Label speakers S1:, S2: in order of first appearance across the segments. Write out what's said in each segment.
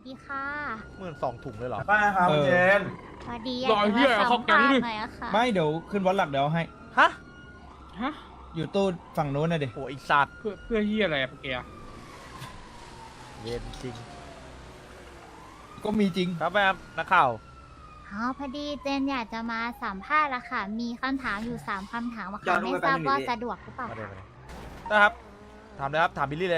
S1: ดีค่ะ
S2: 12,000 ถุงเลยเหรอ
S3: ได้ครับเจน
S1: สวัสดี
S4: รอเหี้ย
S1: อยากจะ
S4: เขา
S1: มา
S4: แก๊
S1: สั
S4: ง
S1: ม
S4: ดิ
S1: ภาษณ์หน่อยอะค่ะ
S5: ไม่เดี๋ยวขึ้นวัดหลักเดี๋ยวให้
S2: ฮะ
S4: ฮะ
S5: อยู่ตู้ฝั่งนู้นนะดิ
S2: โหอีสัตว์
S4: เพื่อเฮียอะไรอะเกียร์
S2: เวรจริง
S5: ก็มีจริง
S2: ครับแม่ครับนักข่าว
S1: อ๋อพอดีเจนอยากจะมาสัมภาษณ์ละค่ะ มีคำถามอยู่3คำถามอะ
S3: ย้
S1: ค่ะ
S3: อน
S1: ไม่
S3: ไป
S1: ทราบ
S3: แป๊บนึง
S1: ว่า
S3: ดิ
S1: สะดวกหรือเปล่า
S2: มาเลย
S1: คะ
S2: มาเลยนะครับ ถามเลยครับ ถามบิลลี่เลย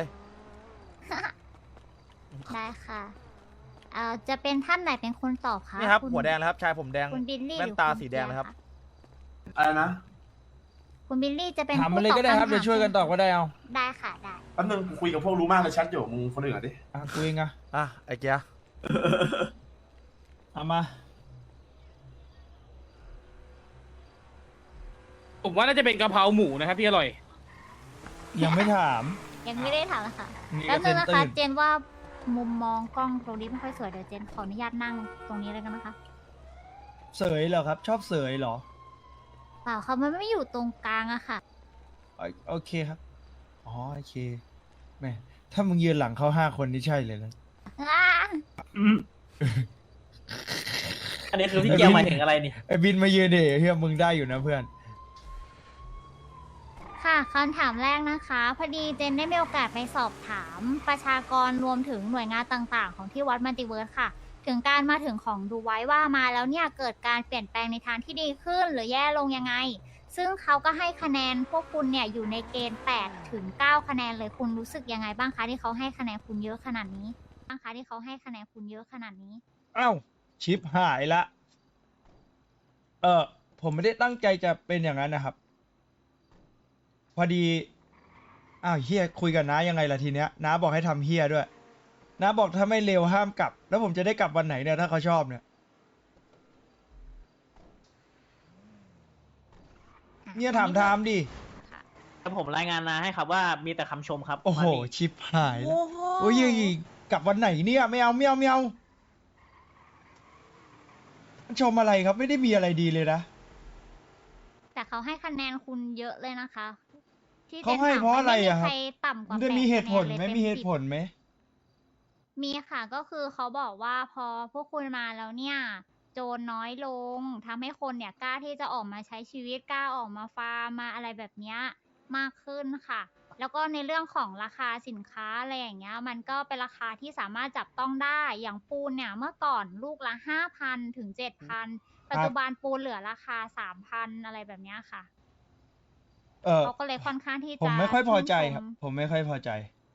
S1: ได้ค่ะจะเป็นท่านไหนเป็นคนตอบคะ
S2: นี่ครับ
S1: ณ
S2: หัวแดงแล้วครับ ชายผมแดง
S1: คุณบิลลี่
S2: แว่
S1: ห
S2: น
S1: รือ
S2: ตา
S1: คุณ
S2: สีแดงนะครับ
S3: อะไรนะ
S1: คุณบิลลี่จะเป็น
S5: ถามมาเลยก็ได้ครับ
S1: ผู้
S5: เดี๋ยวช่วยกันตอบก็ได้เอา
S1: ได้ค่ะได้
S3: แป๊บนึงกูคุยกับพวกรู้มากเลยแชทอยู่มึงคนอื่นอ่ะดิ
S5: อ่ะกูเองอะ
S2: อ่ะ ไอ้เกียร์
S5: เอามา
S4: ผมว่าน่าจะเป็นกะเพราหมูนะครับพี่อร่อย
S5: ยังไม่ถาม
S1: ยังไม่ได้ถามเลยค่ะ
S5: นี่
S1: แป๊บนึง
S5: ก็
S1: นะ
S5: เซ็
S1: คะ
S5: นตื่น
S1: เจนว่ามุมมองกล้องตรงนี้ไม่ค่อยสวยเดี๋ยวเจนขออนุญาตนั่งตรงนี้เลยกันนะคะ
S5: เสยเหรอครับ ชอบเสยเหรอ
S1: เปล่าค่ะมันไม่อยู่ตรงกลางอะค่ะ
S5: โอเคครับ อ๋อโอเคแม่ถ้ามึงยืนหลังเขา5 คนนี่ใช่เลยนะ
S6: อันนี้คือพี่เกียวหมายถึงอะไรนี่
S5: ไอ้บินมายืนดิเฮียมึงได้อยู่นะเพื่อน
S1: ค่ะคำถามแรกนะคะพอดีเจนได้มีโอกาสไปสอบถามประชากรรวมถึงหน่วยงานต่างๆ ของที่วัดมัลติเวิร์สค่ะ ถึงการมาถึงของดูไว้ว่ามาแล้วเนี่ยเกิดการเปลี่ยนแปลงในทางที่ดีขึ้นหรือแย่ลงยังไง ซึ่งเขาก็ให้คะแนนพวกคุณเนี่ยอยู่ในเกณฑ์8 ถึง 9 คะแนนเลยคุณรู้สึกยังไงบ้างคะที่เขาให้คะแนนคุณเยอะขนาดนี้บ้างคะที่เขาให้คะแนนคุณเยอะขนาดนี้
S5: อ้าวชิปหายละ ผมไม่ได้ตั้งใจจะเป็นอย่างนั้นนะครับ พอดี อ้าวเฮียคุยกับน้ายังไงล่ะทีเนี้ยน้าบอกให้ทำเฮียด้วยน้าบอกถ้าไม่เร็วห้ามกลับ แล้วผมจะได้กลับวันไหนเนี่ยถ้าเขาชอบเนี่ยเนี่ยถามทามดิ
S6: แต่ผมรายงานนะให้ครับว่ามีแต่คำชมครับ
S5: โอ้โห
S6: มาดิ
S5: ชิปหายแล้วโอ้ยกลับวันไหนเนี่ยไม่เอาไม่เอาไม่เอามันชมอะไรครับไม่ได้มีอะไรดีเลยนะ
S1: แต่เขาให้คะแนนคุณเยอะเลยนะคะที่
S5: เขาให้เพราะอะไรอะครับ
S1: ไม่มีใครต่ำก
S5: มั
S1: ว่าน
S5: จะมีเหตุผล
S1: 8
S5: ไหม
S1: คะแนนเลย
S5: มีเห
S1: ต็
S5: ตุ
S1: 10
S5: ผลไหม
S1: มีค่ะก็คือเขาบอกว่าพอพวกคุณมาแล้วเนี่ยโจรน้อยลงทำให้คนเนี่ยกล้าที่จะออกมาใช้ชีวิตกล้าออกมาฟาร์มมาอะไรแบบเนี้ยมากขึ้นค่ะ แล้วก็ในเรื่องของราคาสินค้าอะไรอย่างเงี้ยมันก็เป็นราคาที่สามารถจับต้องได้อย่างปูนเนี่ยเมื่อก่อนลูกละ5,000 ถึง 7,000 ปัจจุบันปูนเหลือราคา 3,000 อะไรแบบเนี้ยค่ะเขาก็เลยค่อนข้างที่จะ
S5: ผมไม่ค่อยพอใจ
S1: ชื่นชม
S5: ครับ ผมไม่ค่อยพอใจ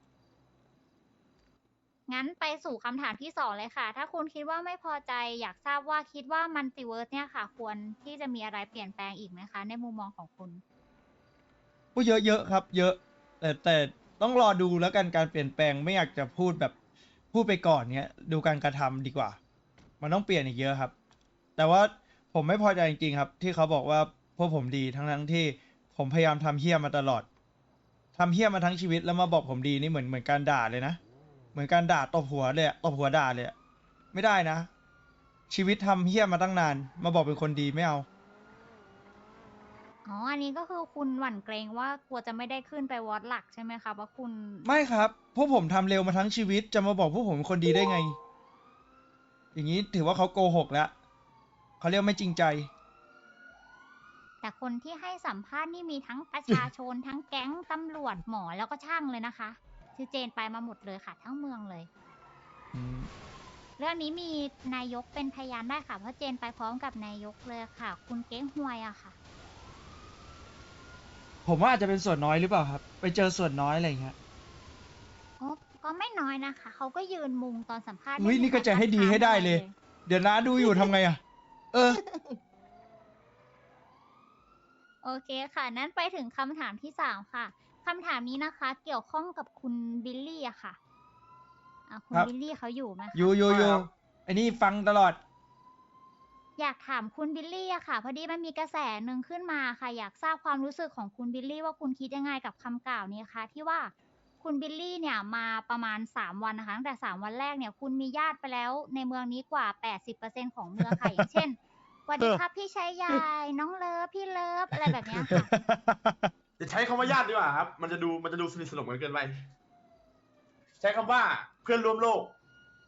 S1: งั้นไปสู่คำถามที่2เลยค่ะ ถ้าคุณคิดว่าไม่พอใจอยากทราบว่าคิดว่ามัลติเวิร์สเนี่ยค่ะ ควรที่จะมีอะไรเปลี่ยนแปลงอีกไหมคะ ในมุมมองของคุณ
S5: ก็เยอะๆครับ เยอะ แต่ต้องรอดูแล้วกันการเปลี่ยนแปลงไม่อยากจะพูดแบบพูดไปก่อนเนี้ยดูการกระทำดีกว่า มันต้องเปลี่ยนอีกเยอะครับ แต่ว่าผมไม่พอใจจริงๆครับ ที่เขาบอกว่าพวกผมดีทั้งที่ผมพยายามทำเฮี้ยมาตลอดทำเฮี้ยมาทั้งชีวิตแล้วมาบอกผมดีนี่เหมือนการด่าเลยนะเหมือนการด่าตบหัวเลยอะตบหัวด่าเลยอะไม่ได้นะ ชีวิตทำเฮี้ยมาตั้งนานมาบอกเป็นคนดีไม่เอา
S1: อ๋อ อันนี้ก็คือคุณหวั่นเกรงว่ากลัวจะไม่ได้ขึ้นไปวอดหลักใช่ไหมคะว่าคุณ
S5: ไม่ครับ พวกผมทำเร็วมาทั้งชีวิต จะมาบอกพวกผมเป็นคนดีได้ไง อย่างนี้ถือว่าเขาโกหกแล้ว เขาเรียกไม่จริงใจ
S1: แต่คนที่ให้สัมภาษณ์นี่มีทั้งประชาชน ทั้งแก๊งตำรวจหมอแล้วก็ช่างเลยนะคะชื่อเจนไปมาหมดเลยค่ะ ทั้งเมืองเลย เรื่องนี้มีนายกเป็นพยานได้ค่ะ เพราะเจนไปพร้อมกับนายกเลยค่ะ คุณเก้งหวยอะค่ะ
S5: ผมว่าอาจจะเป็นส่วนน้อยหรือเปล่าครับ ไปเจอส่วนน้อยอะไรอย่างเงี้ย
S1: โอ้ก็ไม่น้อยนะคะ เขาก็ยืนมุงตอนสัมภาษณ์
S5: อุ๊ย
S1: ไม่มี
S5: นี่ก็จะให้ดีให้ได้เลย เดี๋ยวน้าดูอยู่ทำไงอะเออ
S1: โอเคค่ะ นั้นไปถึงคำถามที่3ค่ะคำถามนี้นะคะ เกี่ยวข้องกับคุณบิลลี่อะค่ะคุณ
S5: ครับ
S1: บิลลี่เขาอยู่ไหมคะ
S5: อยู่ไอ้นี่ฟังตลอด
S1: อยากถามคุณบิลลี่อะค่ะ พอดีมันมีกระแสหนึ่งขึ้นมาค่ะ อยากทราบความรู้สึกของคุณบิลลี่ว่าคุณคิดยังไงกับคำกล่าวนี้คะที่ว่าคุณบิลลี่เนี่ยมาประมาณ3 วันนะคะตั้งแต่3 วันแรกเนี่ยคุณมีญาติไปแล้วในเมืองนี้กว่า 80% ของเมืองค่ะ อย่างเช่นสวัสดีครับพี่ชายใหญ่น้องเลิฟพี่เลิฟอะไรแบบเนี้ยค่ะ
S3: จะใช้คำว่าญาติดีกว่าครับ มันจะดูสนิทสนมกันเกินไป ใช้คำว่าเพื่อนร่วมโลก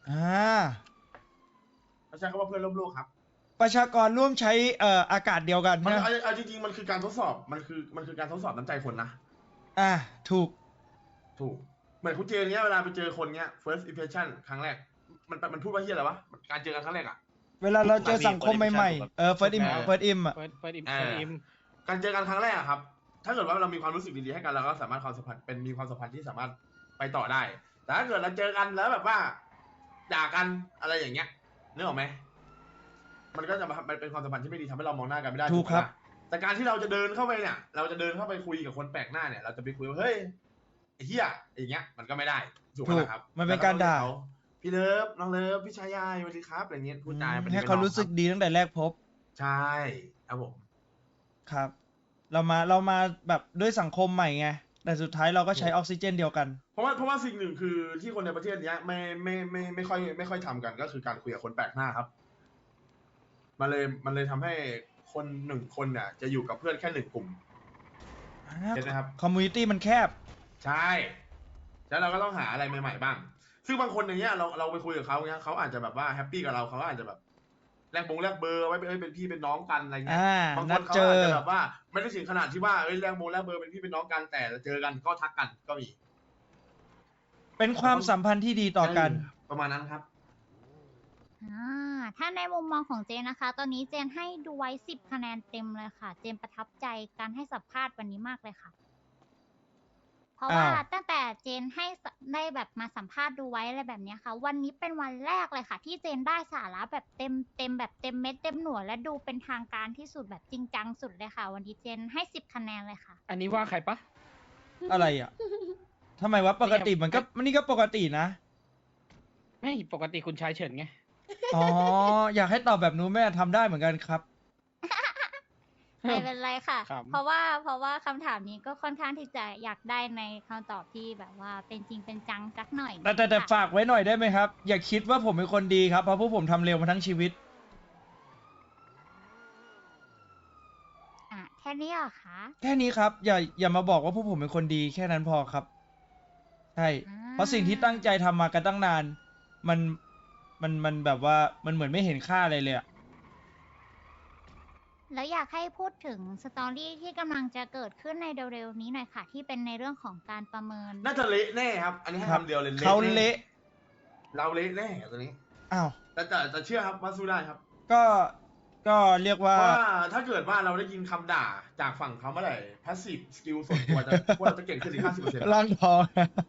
S5: อ่า
S3: เขาใช้คำว่าเพื่อนร่วมโลกครับ
S5: ประชากรร่วมใช้อากาศเดียวกัน
S3: มัน
S5: นะ
S3: เอาจริงๆมันคือการทดสอบมันคือการทดสอบน้ำใจคนนะ
S5: อ่าถูก
S3: ถูกเหมือนคุณเจนเนี้ยเวลาไปเจอคนเนี้ย first impression ครั้งแรกมันพูดว่าเฮียอะไรวะการเจอกันครั้งแรกอะ
S5: เวลาเราเจอสังคมใหม่ๆfirst im
S3: เออ
S5: first im อ่ะ
S4: เปิดอิม
S3: การเจอกันครั้งแรกอะครับ ถ้าเกิดว่าเรามีความรู้สึกดีๆให้กันเราก็สามารถความสัมพันธ์มีความสัมพันธ์ที่สามารถไปต่อได้ แต่ถ้าเกิดเราเจอกันแล้วแบบว่าด่ากันอะไรอย่างเงี้ยนึกออกไหมมันก็จะมันเป็นความสัมพันธ์ที่ไม่ดีทำให้เรามองหน้ากันไม่ได้
S5: ถูกครับ
S3: ปะแต่การที่เราจะเดินเข้าไปเนี่ย เราจะเดินเข้าไปคุยกับคนแปลกหน้าเนี่ย เราจะไปคุยว่าเฮ้ยไอ้เหี้ยอย่างเงี้ยมันก็ไม่ได้ถูกไหมล่ะครับ
S5: มันเป็นการด่า
S3: เขพี่เลิฟน้องเลิฟพี่ชายายสวัสดีครับอะไรเงี้ยพูดจาเป็น
S5: ให้เขารู้สึกดีตั้งแต่แรกพบ
S3: ใช่ครับผม
S5: ครับ เรามาแบบด้วยสังคมใหม่ไง แต่สุดท้ายเราก็ใช้ออกซิเจนเดียวกัน
S3: เพราะว่าสิ่งหนึ่งคือที่คนในประเทศเนี้ยไม่ค่อยทำกันก็คือการคุยกับคนแปลกหน้าครับ มันเลยทำให้คนหนึ่งคนเนี่ยจะอยู่กับเพื่อนแค่หนึ่งกลุ่มเห็นไหมครับ
S5: คอมมูนิตี้มันแคบ
S3: ใช่แล้วเราก็ต้องหาอะไรใหม่ๆบ้าง ซึ่งบางคนอย่างเงี้ยเราไปคุยกับเขาเงี้ยเขาอาจจะแบบว่าแฮปปี้กับเราเขาอาจจะแบบแลกเบอร์ไว้เป็นพี่เป็นน้องกันอะไรเงี้ย บางค
S5: นัด
S3: นเขา
S5: เจอ
S3: อาจจะแบบว่าไม่ได้ถึงขนาดที่ว่าแลกเบอร์เป็นพี่เป็นน้องกันแต่เจอกันก็ทักกันก็มี
S5: เป็นความสัมพันธ์ที่ดีต่อกัน
S3: ประมาณนั้นครับ
S1: ถ้าในมุมมองของเจนนะคะ ตอนนี้เจนให้ดูไว้10 คะแนนเต็มเลยค่ะ เจนประทับใจการให้สัมภาษณ์วันนี้มากเลยค่ะ เพราะว่า
S5: อ้าว
S1: ตั้งแต่เจนให้ได้แบบมาสัมภาษณ์ดูไว้อะไรแบบเนี้ยค่ะ วันนี้เป็นวันแรกเลยค่ะ ที่เจนได้สาระแบบเต็มแบบเต็มเม็ดเต็มหน่วยและดูเป็นทางการที่สุดแบบจริงจังสุดเลยค่ะ วันนี้เจนให้10 คะแนนเลยค่ะ
S4: อันนี้ว่าใครปะ
S5: อะไรอ่ะทำไมวะปกติมันก็นี่ก็ปกตินะ
S4: ไม่ปกติคุณชายเฉินไง
S5: อ๋อ อยากให้ตอบแบบนู้นแม่ทำได้เหมือนกันครับ
S1: ไม่เป็นไรค่ะ
S4: ครับ
S1: เพราะว่าคำถามนี้ก็ค่อนข้างที่จะอยากได้ในคำตอบที่แบบว่าเป็นจริงเป็นจังสักหน่อย
S5: แต่
S1: ค่ะ
S5: ฝากไว้หน่อยได้ไหมครับ อย่าคิดว่าผมเป็นคนดีครับ เพราะพวกผมทำเร็วมาทั้งชีวิต
S1: แค่นี้เหรอคะ
S5: แค่นี้ครับ อย่ามาบอกว่าพวกผมเป็นคนดีแค่นั้นพอครับ ใช่ เพราะสิ่งที่ตั้งใจทำมากันตั้งนาน มันแบบว่ามันเหมือนไม่เห็นค่าอะไรเลยอะ
S1: แล้วอยากให้พูดถึงสตอรี่ที่กำลังจะเกิดขึ้นในเร็วๆนี้หน่อยค่ะ ที่เป็นในเรื่องของการประเมิน
S3: น่าจะเละแน่ครับ อันนี้ให้
S5: ครับ
S3: คำเดียวเลย
S5: เขา
S3: แน่
S5: เละ
S3: เราเละแน่ตัวนี้
S5: อ้าว
S3: แต่เชื่อครับว่าสู้ได้ครับ
S5: ก็เรียกว่า
S3: เพราะว่าถ้าเกิดว่าเราได้ยินคำด่าจากฝั่งเขาเมื่อไหร่พาสซีฟสกิลส่วนตัวพวกเราจะเก่งขึ้นอีก 50%
S5: ร่างทอง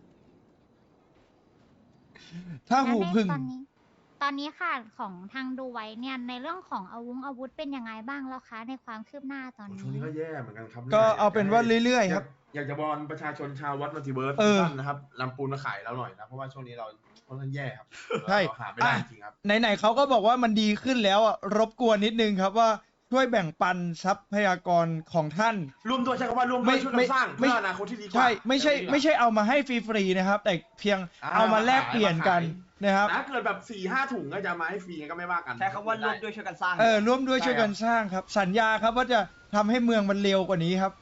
S5: ถ้าหูพึ่ง
S1: ตอนนี้ค่ะของทางดูไว้เนี่ยในเรื่องของอาวุธเป็นยังไงบ้างแล้วคะ ในความคืบหน้าตอน
S3: ช่วงนี้
S1: นี้
S3: ก็แย่เหมือนกันครับ
S5: ก็เอาเป็นว่าเรื่อยๆครับ
S3: อยากจะบอลประชาชนชาววัดมัลติเวิร์ส
S5: เออ
S3: ท่านนะครับนำปูนมาขายเราหน่อยนะ เพราะว่าช่วงนี้เราค่อนข้างแย่ครับ
S5: ใช่
S3: เราหาไม่ได้จริงๆครับ
S5: ไหนๆเขาก็บอกว่ามันดีขึ้นแล้วอ่ะ รบกวนนิดนึงครับว่าช่วยแบ่งปันทรัพยากรของท่าน
S3: ร่วมด้วยใช้คำว่าร่วมด้วยช่วยกันสร้างเพื่ออนาคตที่ดีกว่า
S5: ใช่ ไม่ใช่
S3: ดีกว่า
S5: ไม่ใช่เอามาให้ฟรีๆนะครับ แต่เพียงเอามาแลกเปลี่ยนกันนะครับ
S3: แต่ถ้าเกิดแบบ4-5 ถุงก็จะมาให้ฟรีก็ไม่ว่ากัน
S6: ใช้คำว่าร่วมด้วยช่วยกันสร้าง
S5: ร่วมด้วยช่วยกันสร้างครับ สัญญาครับว่าจะทำให้เมืองมันเร็วกว่านี้ครับ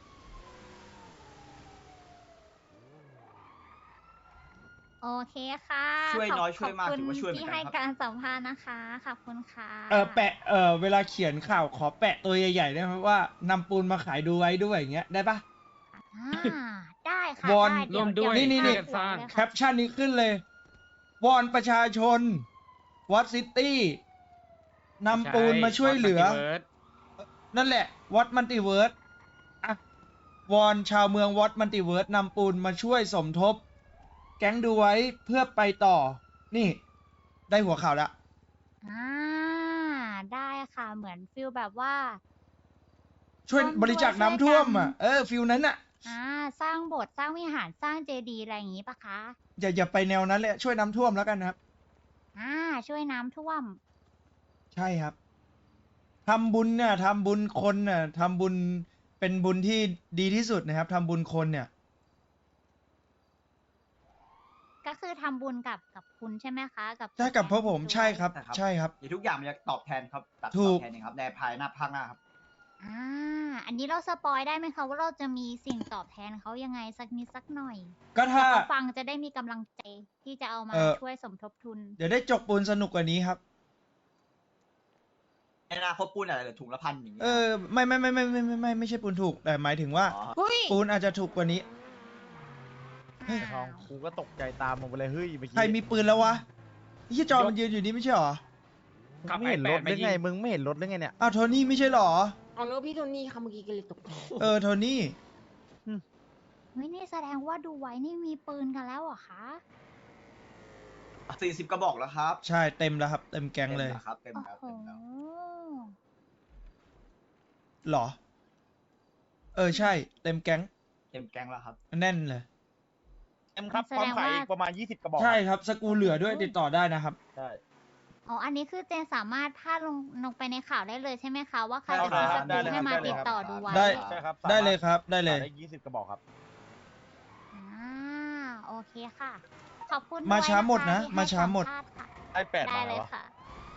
S1: โอเคค่ะ
S6: ช่วยน้อยช่วยมาก
S1: ขอบ
S6: ถือว่าช่วยเหมื
S1: ที่
S6: อนกัน
S1: ให้
S6: ครับ
S1: การสัมภาษณ์นะคะ ขอบคุณค่ะ
S5: แปะเวลาเขียนข่าวขอแปะตัวใหญ่ๆได้ไหมว่านำปูนมาขายดูไว้ด้วยอย่างเงี้ยได้ปะ
S1: ได้ค่ะ
S5: วอน
S1: ได้เ
S4: ร่วมด้วย
S5: นี่
S4: ช่วยกันสร้าง
S5: แคปชั่นนี้ขึ้นเลย วอนประชาชนวัดซิตี้นำปูนมาช่วยเหลือ
S4: ใช่ Multiverse
S5: นั่นแหละวัดมัลติเวิร์สอะวอนชาวเมืองวัดมัลติเวิร์สนำปูนมาช่วยสมทบ แก๊งดูไว้เพื่อไปต่อ นี่ ได้หัวข่าวแล้ว
S1: ได้ค่ะ เหมือนฟิลแบบว่า
S5: ช่วย
S1: ร่วมด้วย
S5: บริจาคน้ำท่วมอ่ะ
S1: ช่วยกัน
S5: ฟิลนั้นอ่ะ
S1: สร้างโบสถ์สร้างวิหารสร้างเจดีย์อะไรอย่างนี้ปะคะ
S5: อย่าไปแนวนั้นเลยช่วยน้ำท่วมแล้วกันนะครับ
S1: ช่วยน้ำท่วม
S5: ใช่ครับทำบุญเนี่ยทำบุญคนเนี่ยทำบุญเป็นบุญที่ดีที่สุดนะครับทำบุญคนเนี่ย
S1: ก็คือทำบุญกับคุณใช่ไหมคะ กับ
S5: ใช่กับพวกผมใช่ครับ
S6: ใช่ครับ
S5: ใช่ครับ
S6: เดี๋ยวทุกอย่างมันจะตอบแทนครับตัด
S5: ถู
S6: ต
S5: ก
S6: อบแทนเองครับในภายหน้าภาคหน้าครับ
S1: อ่าอันนี้เราสปอยได้ไหมคะว่าเราจะมีสิ่งตอบแทนเขายังไงสักนิดสักหน่อย
S5: ก็ถ้า
S1: เขาฟังจะได้มีกำลังใจที่จะเอามาช่วยสมทบทุน
S5: เดี๋ยวได้จกปูนสนุกกว่านี้ครับ
S6: ในอนาคตปูนอะไรเหรือถุงละพันอย่างเงี้ย
S5: ไม่ใช่ปูนถูกแต่หมายถึงว่า
S6: อ๋อ
S5: ปูนอาจจะถูกกว่านี้ เฮ้ย
S2: ทองกูก็ตกใจตามมึงไปเลยเฮ้ยเมื่อกี้
S5: ใครมีปืนแล้ววะยี่จอมันยืนอยู่นี่ไม่ใช่หรอ
S2: มึงไม่เห็นรถหรือไงมึงไม่เห็นรถหรือไงเนี่ย
S5: อ้าวโทนี่ไม่ใช่หรอ
S7: อ๋อแล้วพี่โทนี่ค่ะเมื่อกี้ก็เลยตกใจ
S5: โทนี่
S1: เฮ้ยนี่แสดงว่าดูไว้นี่มีปืนกันแล้วเหรอคะ
S6: 40 กระบอกแล้วครับ
S5: ใช่เต็มแล้วครับ เต็มแก๊งเลย
S6: ต็มแวครับเต็ม
S1: โอ้
S6: แล้ว
S1: โห
S6: เต็มแล้ว
S5: หรอ ใช่ เต็มแก๊ง
S6: เต็มแกงแล้วครับ
S5: แน่นเลย
S2: เอ็มครับพร้อมขายอีกประมาณ20 กระบอก
S5: ใช่ครับ สกรูเหลือด้วยติดต่อได้นะครับ
S2: ใช่
S1: อ๋อ อันนี้คือเจนสามารถถ้าลงไปในข่าวได้เลยใช่ไหมคะ ว่าใคร
S2: ได้
S1: จะ
S2: ครับ
S1: ซื้อสกู๊ปให้มา
S2: ได้เลย
S1: ติด
S2: ครับ
S1: ต่อดูไว้
S5: ได้
S2: ใช่ครับ
S5: ได้เลยครับ ได้เลย
S2: ได้20 กระบอกครับ
S1: อ่าโอเคค่ะ ขอบคุณ
S5: มา
S1: ด้วย
S5: ช้าหมดนะ
S1: ที่ให้
S5: มาช้าหมด
S1: สัภษณ์ค่ะ
S2: ได้8
S1: ได้
S2: มา
S1: เล
S2: แล้ว
S1: ยค่ะ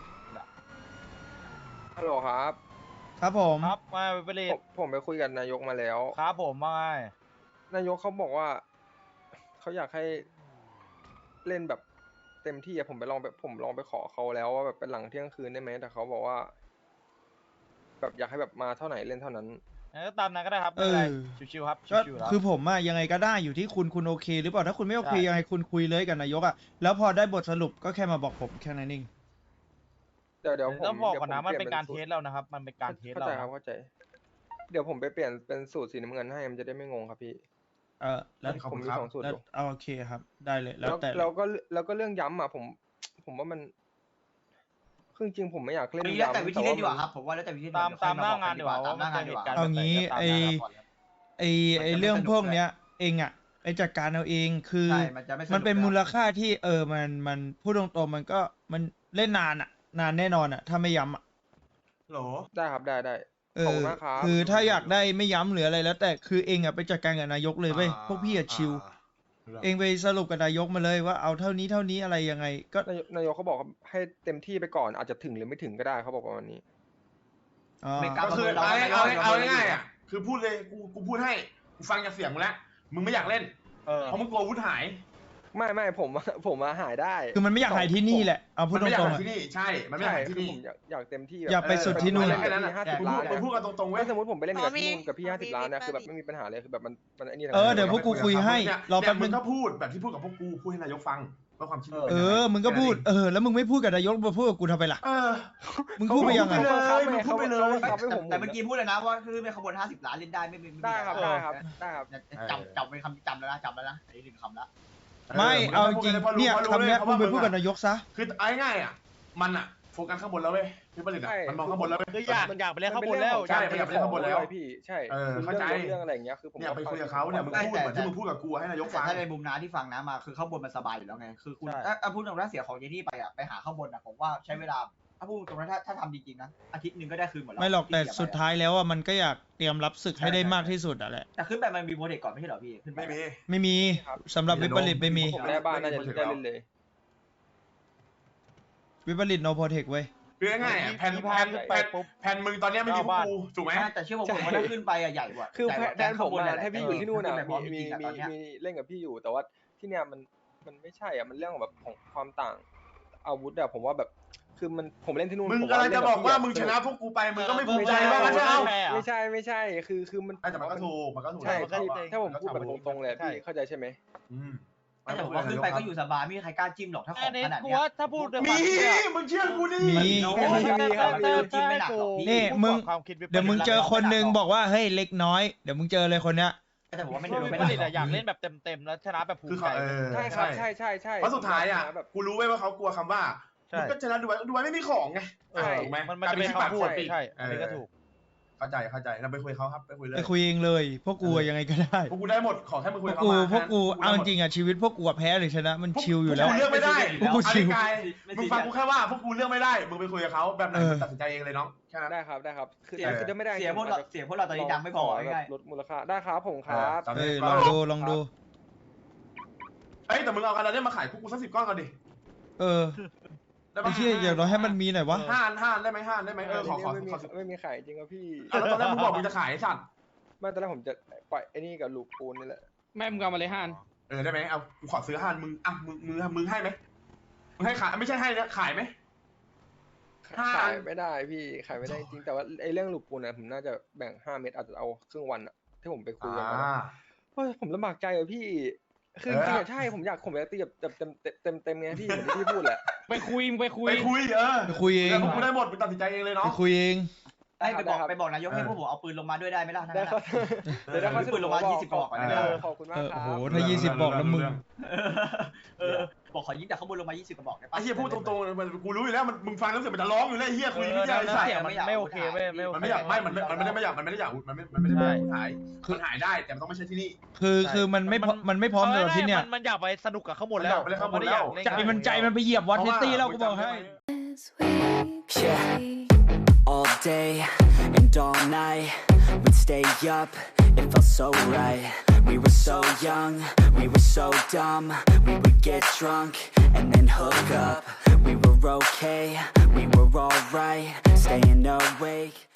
S8: ฮัลโหลครับ
S5: ครับผม
S2: ครับมาไปเลย
S8: ผมไปคุยกับนายกมาแล้ว
S2: ครับผมมาไง
S8: นายกเขาบอกว่าเขาอยากให้เล่นแบบเต็มที่อะผมลองไปขอเขาแล้วว่าแบบเป็นหลังเที่ยงคืนได้ไหมแต่เขาบอกว่า แบบอยากให้แบบมาเท่าไหร่เล่นเท่านั้น
S2: งั้นก็ตามนั้นก็ได้ครับไม่เป็นไร ชิวๆครับ
S5: ก็
S2: ชิวๆแล้ว
S5: คือผมอะยังไงก็ได้อยู่ที่คุณโอเค หรือเปล่าถ้าคุณไม่โอเค
S2: ใช่
S5: ยังไงคุณคุยเลยกับนายกอะแล้วพอได้บทสรุปก็แค่มาบอกผมแค่นั้นเอง
S8: เดี๋ยวผม
S2: ต้องบอกก่อนนะ
S8: ดี๋ยวผ
S2: มันเป็นการ
S8: ป
S2: เท
S8: ลี่ย
S2: สแล้วนะครับ มันเป็นการเทส
S8: เข้า
S2: เรา
S8: ใจ
S2: นะครับ
S8: เข้าใจ เดี๋ยวผมไปเปลี่ยนเป็นสูตรสีน้ำเงินให้มันจะได้ไม่งงครับพี่
S5: แล้ว
S3: ขอบ
S8: ผ
S3: คุ
S8: ม
S3: ณ
S8: มี
S3: ครับ
S8: 2 สูตร
S5: แล้ว
S8: อยู่
S5: เอาโอเคครับ ได้เลยแล้วแต่
S8: แล้วก็เรื่องย้ำอะผมว่ามันคือจริงๆผมไม่อยากเล่น
S6: แล้ว
S8: ย้ำ
S6: แต่วิธีเล่นดีกว่า
S8: มัน
S6: ครับผมว่าแล้วแต่วิธีเล่น
S2: ตามหน้างานดีกว่า
S6: ตามหน้างานดีกว่า
S2: ว่า
S5: เอางี้
S6: ตามหน้างานก่อนเลย
S5: ไอเรื่องพวกเนี้ย เองอะไปจัดการเอาเองคือ
S6: ใช่มันจะไม่สนุก
S5: มันเป็น
S6: แล้ว
S5: มูลค่าที่มันพูดตรงๆมันก็มันเล่นนานอะนานแน่นอนอะถ้าไม่ย้ำอะ
S3: โหล
S8: ได้ครับได้ขอบคุณมากครับ
S5: คือถ้าอยากได้ไม่ย้ำหรืออะไรแล้วแต่คือเองอะไปจัดการกับนายกเลยเว้ยพวกพี่อะชิลเองไปสรุปกับนายกมาเลยว่าเอาเท่านี้อะไรยังไงก็
S8: นายกเขาบอกว่าให้เต็มที่ไปก่อนอาจจะถึงหรือไม่ถึงก็ได้เขาบอกประมาณนี้
S5: อ๋อ
S6: ไม่กล้า
S3: ก็คือ
S6: เรา
S3: เอาง่ายๆอ่ะคือพูดเลยกูพูดให้กูฟังจากเสียงมึงแล้วมึงไม่อยากเล่น
S2: เออ
S3: เพราะมึงกลัวอาวุธหาย
S8: ไม่ผมมาหายได้
S5: คือมันไม่อยากหายที่นี่แหละเอาพู
S3: มั
S5: ด
S3: น
S5: ต
S3: ไม่อยาก
S5: รง
S3: หา
S5: ๆ
S3: ย
S5: อะ
S3: ที่นี่ใช่ มันไม่อยากหาย
S8: คื
S3: ที่
S8: อ
S3: นี่
S8: ผมอยากเต็มที่
S5: อยากไปสุดที่นู่น
S3: แค่นั้น
S8: 50
S3: มึง
S8: ล้าน
S3: พูดกันตรงๆเว้ย
S8: ถ้าสมมติผมไปเล่นกับพี่นุ่นกับพี่50 ล้านนะคือแบบไม่มีปัญหาเลยคือแบบมันไอ้นี่
S5: เดี๋ยวพวกกูคุยให้รอแป๊บนึ
S3: มึ
S5: ง
S3: งก็พูดแบบที่พูดกับพวกกูพูดให้นายกฟังเพื่อความคิด
S5: มึงก็พูดแล้วมึงไม่พูดกับนายกมาพูดกับกูทำไมล่ะ มึงพูดไปยังไง
S3: มึงพูดไปเลย
S8: ครับให้ผม
S6: แต่เมื่อกี้พูดเลยนะว่าคือเป็นขบวน50 ล้านเล่นได้ไม่มี
S8: ได้ครับ
S6: ปัญ
S8: ได้
S6: หา
S8: ครับได้ครับ
S6: จำเป็นคำจำแล้วนะอันนี้1 คำแล้ว
S5: ไม่เอาจริงเนี่ยคำเนี้ยมึงไปพูดกับนายกซะ
S3: คือเอาง่ายๆอ่ะมันอ่ะโฟกัสข้างบนแล้วเว้ยพี่ผลิตอ่ะมันมองข้างบนแล้วเว้ย
S2: คืออยากไปเล่นข้างบนแล้ว
S3: ใช่ไปเล่นข้างบนแล้ว
S8: พี่ใช่
S3: เข้าใจ
S8: เรื่องอะไรอย่างเงี้ยคือผม
S3: เนี่ยไปคุยกับเขาเนี่ยมึงพูดเหมือนที่มึงพูดกับกูให้นายก
S6: แต่
S3: ฟัง
S6: ถ้าในมุมน้าที่ฟังนะมาคือข้างบนมันสบายอยู่แล้วไงคือคุณถ้าพูดตรงนั้นเสียของเยนี่ไปอ่ะไปหาข้างบนอ่ะผมว่าใช้เวลาถ้าพูดตรงนั้นถ้าทำจริงๆนะอาทิตย์หนึ่งก็ได้คืนหมดแล้ว
S5: ไม่หรอกแต่สุดท้ายแล้วอ่ะมันก็อยากเตรียมรับศึกให้ได้มากที่สุดอ่ะแหละ
S6: แต่ขึ้นไปมันมีโปรเจกต์ก่อนไม่ใช่เหรอพี่ขึ้นไป
S3: ไม่มี
S5: ไม่มีสำหรับวิปริตไม่มี
S8: ผมแม่บ้านน่าจะได้เล่นเลย
S5: วิปริตโนโปรเทคเว้ย
S3: คือง่ายๆอ่ะแผ่นมึงตอนเนี้ยไม่มีพวกกูถูกไหม
S6: แต่เชื่อผมว่าถ้าขึ้นไปอ่ะใหญ่กว่า
S8: คือแดนผมอะถ้าพี่อยู่ที่นู่นอะ
S6: มี
S8: มีเล่นกับพี่อยู่แต่ว่าที่เนี้ยมันไม่ใช่อ่ะมันเรื่องของแบบของความต่างอาวุธอะผมว่าแบบคือผมเล่นที่นู่น
S3: มึงกำลังจะบอกว่ามึงชนะพวกกูไปมึงก็ไม่ภูมิใจว่างั้นใช่ไหม
S8: ไม่ใช่คือมัน
S3: แต่มันก็ถูกมันก็ถูก
S8: ใช่ถ้าผมพูดแบบตรงๆเลยพี่เข้าใจใช่ไหม
S6: แต่ผมว่าขึ้นไปก็อยู่สบายไม่มีใครกล้าจิ้มหรอกถ้าข
S2: อั
S6: อน ง
S2: นี้
S6: ขนาด
S2: กู
S6: เนี้ย
S2: ว่าถ้าพูดด้วย
S3: มี
S2: ความ
S3: มึงเชื่อกูดิ
S5: มี
S6: จิ้มไม่หนักหรอกพี่
S5: นี่มึง
S2: ความคิด
S5: เดี๋ยวมึงเจอคนหนึ่งบอกว่าเฮ้ยเล็กน้อยเดี๋ยวมึงเจอเลยคนเนี้ย
S6: แต่ผมว่าไม่
S2: ไม่
S6: โดน
S2: ไม่
S6: ไม่
S2: ได้
S6: หนัก
S2: อยากเล่นแบบเต็มๆแล้วชนะแบบภู
S3: คือ
S2: มิ
S3: เขา
S2: ใจ
S8: ใช่ครับใช่
S3: เพราะสุดท้ายอ่ะ
S8: แบบ
S3: กูรู้ไว้ว่าเขากลัวคำว่ามึงก็ชนะดูไว้ไม่มีของไงถูกไหม
S2: มันจะเป็นคำพูดใช่อันนี้ก็ถูก
S3: เข้าใจเราไปคุยเขาครับไปคุยเลย
S5: ไปคุยเองเลย พวกกูอะยังไงก็ได้
S3: พวกกูได้หมดขอแค่มึง
S5: พ
S3: คุ
S5: วย ก
S3: เขา
S5: กู
S3: มา
S5: พวกกูเอาจริงอะชีวิตพวกกูอะแพ้หรือชนะมันชิลอยู่แล้ว
S3: พวกกูเลือกไม่ได้
S5: พวกกูชิล
S3: กายมึงฟังกูแค่ว่าพวกกูเลือกไม่ได้มึงไปคุยกับเขาแบบไหนมึงตัดสินใจเองเลยน้องแค่นั้น
S8: ได้ครับคือถ้าไม่ได้
S6: เสียพวกเราตอนนี้ดังไม่พอง่าย
S8: ลดมูลค่าได้ครับผมครับ
S5: ลองดู
S3: เอ้ยแต่มึงเอากันแล้วเนี่ยมาขายพวกกูสัก10 ก้อนก่อนดิ
S5: เออ
S3: ได้
S5: ไอ้
S3: ปะ
S5: เชี่ยอย่างน้อยให้มันมีหน่อยวะ
S3: ห้านได้ไหมห้านได้ไหมขอ
S8: ไม่มีขายจริงครับพี่
S3: แล้วตอนแรกมึงบอกมึงจะขายไอ้สัตว์
S8: ไม่ตอนแรกผมจะปล่อยไอ้นี่กับลูกปูนนี่แหละ
S4: แม่มึงเอามาเลยห้าน
S3: ได้ไหมเอากูขอซื้อห้านมึงอ่ะมึงให้ไหมมึงให้ขายไม่ใช่ให้นะขายไหม
S8: ขายไม่ได้พี่ขายไม่ได้จริงแต่ว่าไอ้เรื่องลูกปูนนะผมน่าจะแบ่ง5 เม็ดอาจจะเอาครึ่งวันอะที่ผมไปคุยกันมาเพราะผมลำบากใจอะพี่คือจริงๆใช่ผมอยากตีแบบเต็มไงพี่เหมือนที่พี่พูดแหละ
S4: ไปคุย
S5: ไปคุยเอง
S3: กูได้หมดมึงตัดสินใจเองเลยเนาะ
S5: ไปคุยเอง
S6: ไปบอกนายกให้พวกผมเอาปืนลงมาด้วยได้ไหมล่ะ
S8: ได้ครับเดี๋ยวเขา
S6: ปืนลงมา20 กระบอก
S8: ขอบคุณมากครับ
S5: โอ้โหถ้า20บอกแล้วมึง
S6: บอกขอยิงจากข้างบนลงมา20 กระบอกได้ปะ
S3: ไอ้เหี้ยพูดตรงๆมันกูรู้อยู่แล้วมึงฟังแล้วเสียงมันจะร้องอยู่แล้วไอ้เหี้ยคุยไม่ได้ไอ้สัตว์
S2: เสียงมันไม่โอเคเว้ยไม่โอเค
S3: มันไม่อยากมันไม่ได้ไม่อยากมันไม่ได้หายมันหายได้แต่มันต้องไม่ใช่ที่นี่
S5: คือมันไม่พร้อมสำหรับที่เนี่ย
S2: มันอยากไปสนุกกับข้างบนแล้ว
S3: มันอยากไปเล่นข้างบนแล้ว
S5: ใจมันไปเหยียบวอตซิตี้แล้วกูบอกให้
S9: Yeah, all day and all night, we'd stay up, it felt so right. We were so young, we were so dumb, we would get drunk and then hook up. We were okay, we were alright, staying awake.